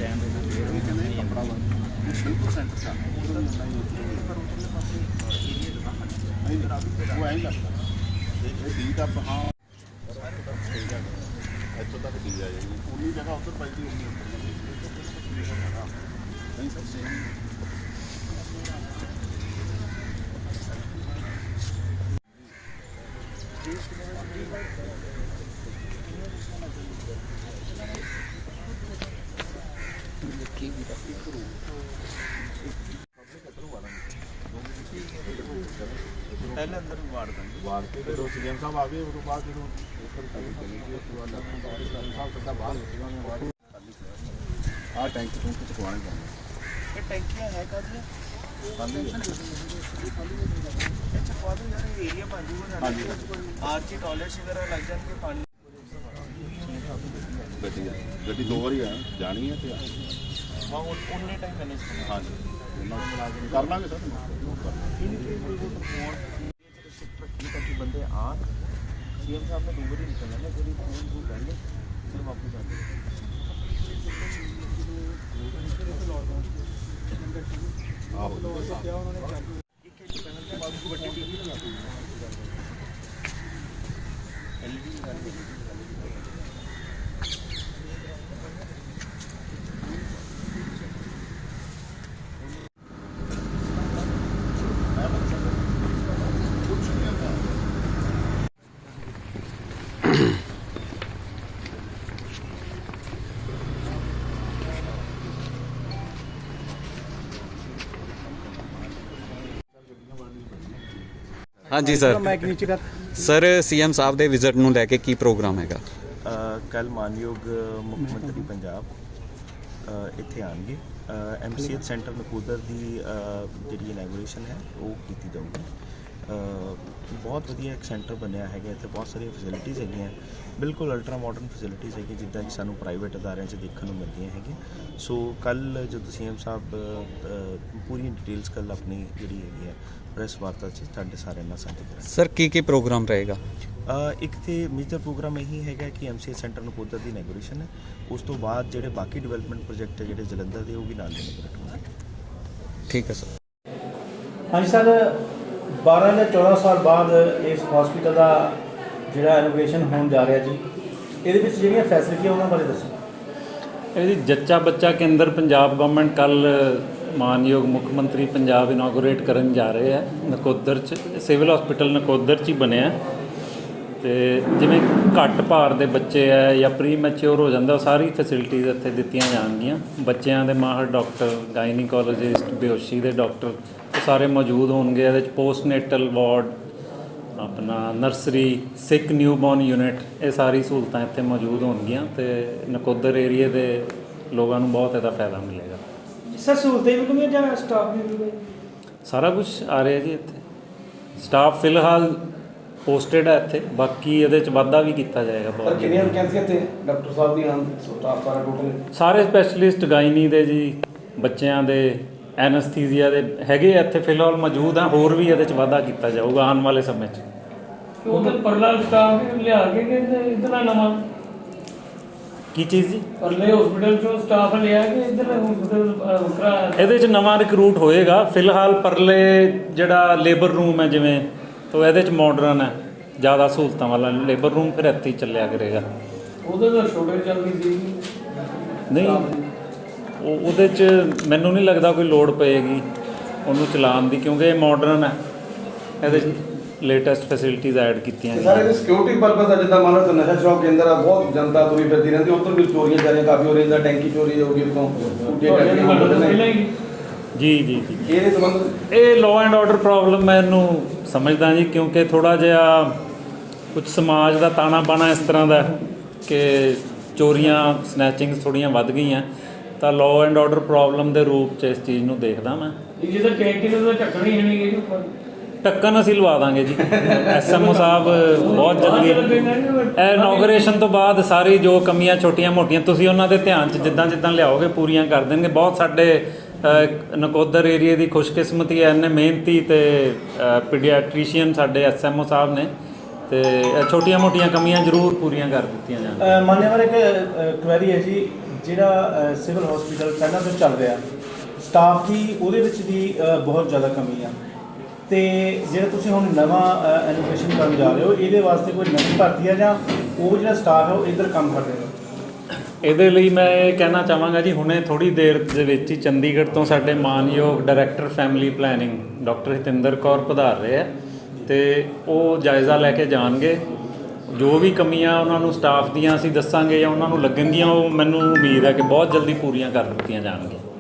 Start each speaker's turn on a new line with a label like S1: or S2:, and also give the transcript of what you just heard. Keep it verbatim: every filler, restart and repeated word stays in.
S1: कपड़ा बिल्कुल सेंटर का वो ऐ लगता डी का हाँ इतों तक डी आ जाएगी उन्नी जगह उधर पैदी नहीं सर सेम पहले अंदर वाड़ देंगे वाड़ के फिर सीएम साहब आ गए उसके बाद जो हाँ टैंक टूंक चुकवाने पड़ेंगे ये टैंकियाँ है का जी चकवा दो यार एरिया बन जूगा आरची टॉयलेट्स वगैरह लग जाएंगे पानी गड्डी गड्डी दो बार है जानी है तो हाँ उन्ने टाइम मैनेज करना हाँ जी कर लाँगे सर ताकि बंदे आ सीएम साहब ने दो बार निकलना ना जब फोन वो पहले फिर वापस आ जाए
S2: हाँ जी सर सर सीएम साहब ਦੇ ਵਿਜ਼ਿਟ ਨੂੰ ਲੈ ਕੇ ਕੀ ਪ੍ਰੋਗਰਾਮ ਹੈਗਾ
S3: ਕੱਲ ਮਾਨਯੋਗ ਮੁੱਖ ਮੰਤਰੀ ਪੰਜਾਬ ਇੱਥੇ ਆਣਗੇ ਐਮਸੀਐਚ ਸੈਂਟਰ ਨਕੋਦਰ ਦੀ ਜਿਹੜੀ ਇਨੈਗੋਰੇਸ਼ਨ ਹੈ ਉਹ ਕੀਤੀ ਜਾਊਗੀ ਬਹੁਤ ਵਧੀਆ ਇੱਕ ਸੈਂਟਰ ਬਣਿਆ ਹੈਗਾ ਇੱਥੇ ਬਹੁਤ ਸਾਰੀਆਂ ਫੈਸਿਲਿਟੀਜ਼ ਹੈਗੀਆਂ ਬਿਲਕੁਲ ਅਲਟਰਾ ਮਾਡਰਨ ਫੈਸਿਲਿਟੀਜ਼ ਹੈਗੀਆਂ ਜਿੱਦਾਂ ਕਿ ਸਾਨੂੰ ਪ੍ਰਾਈਵੇਟ ਅਦਾਰਿਆਂ 'ਚ ਦੇਖਣ ਨੂੰ ਮਿਲਦੀਆਂ ਹੈਗੀਆਂ ਸੋ ਕੱਲ੍ਹ ਜਦੋਂ ਸੀਐਮ ਸਾਹਿਬ ਪੂਰੀ ਡਿਟੇਲਸ ਕੱਲ੍ਹ ਆਪਣੀ ਜਿਹੜੀ ਹੈਗੀ ਹੈ ਪ੍ਰੈਸ ਵਾਰਤਾ 'ਚ ਤੁਹਾਡੇ ਸਾਰਿਆਂ ਨਾਲ ਸਾਂਝੀ ਕਰਾਂਗੇ
S2: ਸਰ ਕੀ ਕੀ ਪ੍ਰੋਗਰਾਮ ਰਹੇਗਾ
S3: ਇੱਕ ਤੇ ਮੇਜਰ ਪ੍ਰੋਗਰਾਮ ਇਹੀ ਹੈਗਾ ਕਿ ਐਮਸੀਐਚ ਸੈਂਟਰ ਨਕੋਦਰ ਦੀ ਇਨੈਗੋਰੇਸ਼ਨ ਹੈ ਉਸ ਤੋਂ ਬਾਅਦ ਜਿਹੜੇ ਬਾਕੀ ਡਿਵੈਲਪਮੈਂਟ ਪ੍ਰੋਜੈਕਟ ਹੈ ਜਿਹੜੇ ਜਲੰਧਰ ਦੇ ਉਹ ਵੀ ਨਾਲ ਇਨੈਗੋਰੇਟ ਹੋਣਗੇ
S2: ਠੀਕ ਹੈ ਸਰ
S4: ਹਾਂਜੀ ਸਰ ਬਾਰਾਂ ਜਾਂ ਚੌਦਾਂ ਸਾਲ ਬਾਅਦ ਇਸ ਹਸਪੀਟਲ ਦਾ ਜਿਹੜਾ ਇਨੋਵੇਸ਼ਨ ਹੋਣ ਜਾ ਰਿਹਾ ਜੀ ਇਹਦੇ ਵਿੱਚ ਜਿਹੜੀਆਂ ਫੈਸਿਲਿਟੀਆਂ ਉਹਨਾਂ ਬਾਰੇ ਦੱਸੋ
S5: ਇਹਦੀ ਜੱਚਾ ਬੱਚਾ ਕੇਂਦਰ ਪੰਜਾਬ ਗਵਰਨਮੈਂਟ ਕੱਲ ਮਾਨਯੋਗ ਮੁੱਖ ਮੰਤਰੀ ਪੰਜਾਬ ਇਨੋਗਰੇਟ ਕਰਨ ਜਾ ਰਹੇ ਆ ਨਕੋਦਰ 'ਚ ਸਿਵਲ ਹਸਪੀਟਲ ਨਕੋਦਰ 'ਚ ਹੀ ਬਣਿਆ ਤੇ ਜਿਵੇਂ ਘੱਟ ਭਾਰ ਦੇ ਬੱਚੇ ਆ ਜਾਂ ਪ੍ਰੀ ਮੈਚਿਓਰ ਹੋ ਜਾਂਦਾ ਉਹ ਸਾਰੀ ਫੈਸਿਲਿਟੀਜ਼ ਇੱਥੇ ਦਿੱਤੀਆਂ ਜਾਣਗੀਆਂ ਬੱਚਿਆਂ ਦੇ ਮਾਹਰ ਡਾਕਟਰ ਗਾਇਨੀਕੋਲੋਜਿਸਟ ਬੇਹੋਸ਼ੀ ਦੇ ਡਾਕਟਰ ਸਾਰੇ ਮੌਜੂਦ ਹੋਣਗੇ ਇਹਦੇ 'ਚ ਪੋਸਟਨੇਟਲ ਵਾਰਡ ਆਪਣਾ ਨਰਸਰੀ ਸਿੱਖ ਨਿਊਬੋਰਨ ਯੂਨਿਟ ਇਹ ਸਾਰੀ ਸਹੂਲਤਾਂ ਇੱਥੇ ਮੌਜੂਦ ਹੋਣਗੀਆਂ ਤੇ ਨਕੋਦਰ ਏਰੀਏ ਦੇ ਲੋਕਾਂ ਨੂੰ ਬਹੁਤ ਇਹਦਾ ਫਾਇਦਾ ਮਿਲੇਗਾ
S4: ਸਰ ਸਹੂਲਤਾਂ ਵੀ ਮਿਲੂਗੀਆਂ ਜਾਂ ਸਟਾਫ ਵੀ ਮਿਲੂਗਾ
S5: ਸਾਰਾ ਕੁਝ ਆ ਰਿਹਾ ਜੀ ਇੱਥੇ ਸਟਾਫ ਫਿਲਹਾਲ ਪੋਸਟਡ ਹੈ ਇੱਥੇ ਬਾਕੀ ਇਹਦੇ 'ਚ ਵਾਧਾ ਵੀ ਕੀਤਾ ਜਾਏਗਾ ਬਹੁਤ
S4: ਕਿੰਨੀਆਂ ਵੈਕੈਂਸੀਆਂ ਇੱਥੇ ਡਾਕਟਰ ਸਾਹਿਬ ਦੀਆਂ ਸਟਾਫ ਸਾਰਾ ਟੋਟਲ
S5: ਸਾਰੇ ਸਪੈਸ਼ਲਿਸਟ ਗਾਇਨੀ ਦੇ ਜੀ ਬੱਚਿਆਂ ਦੇ ਐਨਸਥੀਸੀਆ ਦੇ ਹੈਗੇ ਇੱਥੇ ਫਿਲਹਾਲ ਮੌਜੂਦ ਆ ਹੋਰ ਵੀ ਇਹਦੇ 'ਚ ਵਾਧਾ ਕੀਤਾ ਜਾਊਗਾ ਆਉਣ ਵਾਲੇ ਸਮੇਂ 'ਚ
S6: ਉਧਰ ਪਰਲਾ ਸਟਾਫ ਲਿਆ ਕੇ ਕਿ ਇਧਰ ਨਵਾਂ
S5: ਕੀ ਚੀਜ਼ ਜੀ
S6: ਪਰਲੇ ਹਸਪੀਟਲ ਚੋਂ ਸਟਾਫ ਲਿਆ ਕੇ ਇਧਰ ਹਸਪੀਟਲ
S5: ਇਹਦੇ 'ਚ ਨਵਾਂ ਰਿਕਰੂਟ ਹੋਏਗਾ ਫਿਲਹਾਲ ਪਰਲੇ ਜਿਹੜਾ ਲੇਬਰ ਰੂਮ ਹੈ ਜਿਵੇਂ ਤਾਂ ਇਹਦੇ 'ਚ ਮਾਡਰਨ ਹੈ ਜ਼ਿਆਦਾ ਸਹੂਲਤਾਂ ਵਾਲਾ ਲੇਬਰ ਰੂਮ ਫਿਰ ਇੱਥੇ ਹੀ ਚੱਲਿਆ ਕਰੇਗਾ
S6: ਉਹਦੇ ਤਾਂ ਛੋਟੇ ਚੱਲਦੀ ਸੀ
S5: ਨਹੀਂ ਉਹ ਉਹਦੇ 'ਚ ਮੈਨੂੰ ਨਹੀਂ ਲੱਗਦਾ ਕੋਈ ਲੋੜ ਪਏਗੀ ਉਹਨੂੰ ਚਲਾਉਣ ਦੀ ਕਿਉਂਕਿ ਇਹ ਮਾਡਰਨ ਹੈ ਇਹਦੇ 'ਚ ਲੇਟੈਸਟ ਫੈਸਿਲਿਟੀਜ਼ ਐਡ ਕੀਤੀਆਂ
S7: ਸਰ ਇਹਦੇ ਸਿਕਿਉਰਿਟੀ ਪਰਪਸ ਦਾ ਜਿੱਦਾਂ ਮੰਨ ਲਓ ਨਸ਼ਾ ਸ਼ੌਕ ਕੇਂਦਰ ਆ ਬਹੁਤ ਜਨਤਾ ਤੁਰੀ ਫਿਰਦੀ ਰਹਿੰਦੀ ਉੱਧਰ ਵੀ ਚੋਰੀਆਂ ਚਾਰੀਆਂ ਕਾਫੀ ਹੋ ਰਹੀਆਂ ਟੈਂਕੀ ਚੋਰੀ ਹੋ ਗਈ ਉਤੋਂ
S5: ਜੀ ਜੀ ਜੀ
S7: ਇਹਦੇ ਸੰਬੰਧ
S5: ਇਹ ਲਾਅ ਐਂਡ ਆਰਡਰ ਪ੍ਰੋਬਲਮ ਮੈਂ ਇਹਨੂੰ ਸਮਝਦਾ ਜੀ ਕਿਉਂਕਿ ਥੋੜ੍ਹਾ ਜਿਹਾ ਕੁਝ ਸਮਾਜ ਦਾ ਤਾਣਾ ਬਾਣਾ ਇਸ ਤਰ੍ਹਾਂ ਦਾ ਕਿ ਚੋਰੀਆਂ ਸਨੈਚਿੰਗਸ ਥੋੜ੍ਹੀਆਂ ਵੱਧ ਗਈਆਂ ਤਾਂ ਲਾਅ ਐਂਡ ਆਰਡਰ ਪ੍ਰੋਬਲਮ ਦੇ ਰੂਪ 'ਚ ਇਸ ਚੀਜ਼ ਨੂੰ ਦੇਖਦਾ ਮੈਂ
S6: ਜਿਹਦਾ ਟੈਂਕੀ ਦਾ ਢੱਕਣ ਹੀ ਨਹੀਂ ਗਈ ਉੱਪਰ
S5: ਢੱਕਣ ਅਸੀਂ ਲਵਾ ਦਾਂਗੇ ਜੀ ਐਸਐਮਓ ਸਾਹਿਬ ਬਹੁਤ ਜਲਦੀ ਇਹ ਇਨੋਗਰੇਸ਼ਨ ਤੋਂ ਬਾਅਦ ਸਾਰੀ ਜੋ ਕਮੀਆਂ ਛੋਟੀਆਂ ਮੋਟੀਆਂ ਤੁਸੀਂ ਉਹਨਾਂ ਦੇ ਧਿਆਨ 'ਚ ਜਿੱਦਾਂ ਜਿੱਦਾਂ ਲਿਆਓਗੇ ਪੂਰੀਆਂ ਕਰ ਦੇਣਗੇ ਬਹੁਤ ਸਾਡੇ ਨਕੋਦਰ ਏਰੀਏ ਦੀ ਖੁਸ਼ਕਿਸਮਤੀ ਹੈ ਇੰਨੇ ਮਿਹਨਤੀ ਅਤੇ ਪੀਡੀਆਟ੍ਰੀਸ਼ੀਅਨ ਸਾਡੇ ਐਸਐਮਓ ਸਾਹਿਬ ਨੇ ਅਤੇ ਛੋਟੀਆਂ ਮੋਟੀਆਂ ਕਮੀਆਂ ਜ਼ਰੂਰ ਪੂਰੀਆਂ ਕਰ ਦਿੱਤੀਆਂ ਜਾਣ
S4: ਮਾਨਯਵਰ ਇੱਕ ਕੁਐਰੀ ਹੈ ਜੀ ਜਿਹੜਾ ਸਿਵਲ ਹਸਪੀਟਲ ਪਹਿਲਾਂ ਤੋਂ ਚੱਲ ਰਿਹਾ ਸਟਾਫ ਦੀ ਉਹਦੇ ਵਿੱਚ ਵੀ ਅ, ਬਹੁਤ ਜ਼ਿਆਦਾ ਕਮੀ ਆ ਤੇ ਜਿਹੜਾ ਤੁਸੀਂ ਹੁਣ ਨਵਾਂ ਐਜੂਕੇਸ਼ਨ ਕਰਨ ਜਾ ਰਹੇ ਹੋ ਇਹਦੇ ਵਾਸਤੇ ਕੋਈ ਨਵੀਂ ਭਰਤੀ ਆ ਜਾਂ ਉਹ ਜਿਹੜਾ ਸਟਾਫ ਹੈ ਉਹ ਇੱਧਰ ਕੰਮ ਕਰ ਰਿਹਾ?
S5: ਇਹਦੇ ਲਈ ਮੈਂ ਇਹ ਕਹਿਣਾ ਚਾਹਾਂਗਾ ਜੀ, ਹੁਣੇ ਥੋੜ੍ਹੀ ਦੇਰ ਦੇ ਵਿੱਚ ਹੀ ਚੰਡੀਗੜ੍ਹ ਤੋਂ ਸਾਡੇ ਮਾਨਯੋਗ director family planning doctor Hitinder Kaur ਪਧਾਰ ਰਹੇ ਆ ਤੇ ਉਹ ਜਾਇਜ਼ਾ ਲੈ ਕੇ ਜਾਣਗੇ। ਜੋ ਵੀ ਕਮੀਆਂ ਉਹਨਾਂ ਨੂੰ ਸਟਾਫ ਦੀਆਂ ਅਸੀਂ ਦੱਸਾਂਗੇ ਜਾਂ ਉਹਨਾਂ ਨੂੰ ਲੱਗਣਗੀਆਂ, ਉਹ ਮੈਨੂੰ ਉਮੀਦ ਹੈ ਕਿ ਬਹੁਤ ਜਲਦੀ ਪੂਰੀਆਂ ਕਰ ਦਿੱਤੀਆਂ ਜਾਣਗੀਆਂ।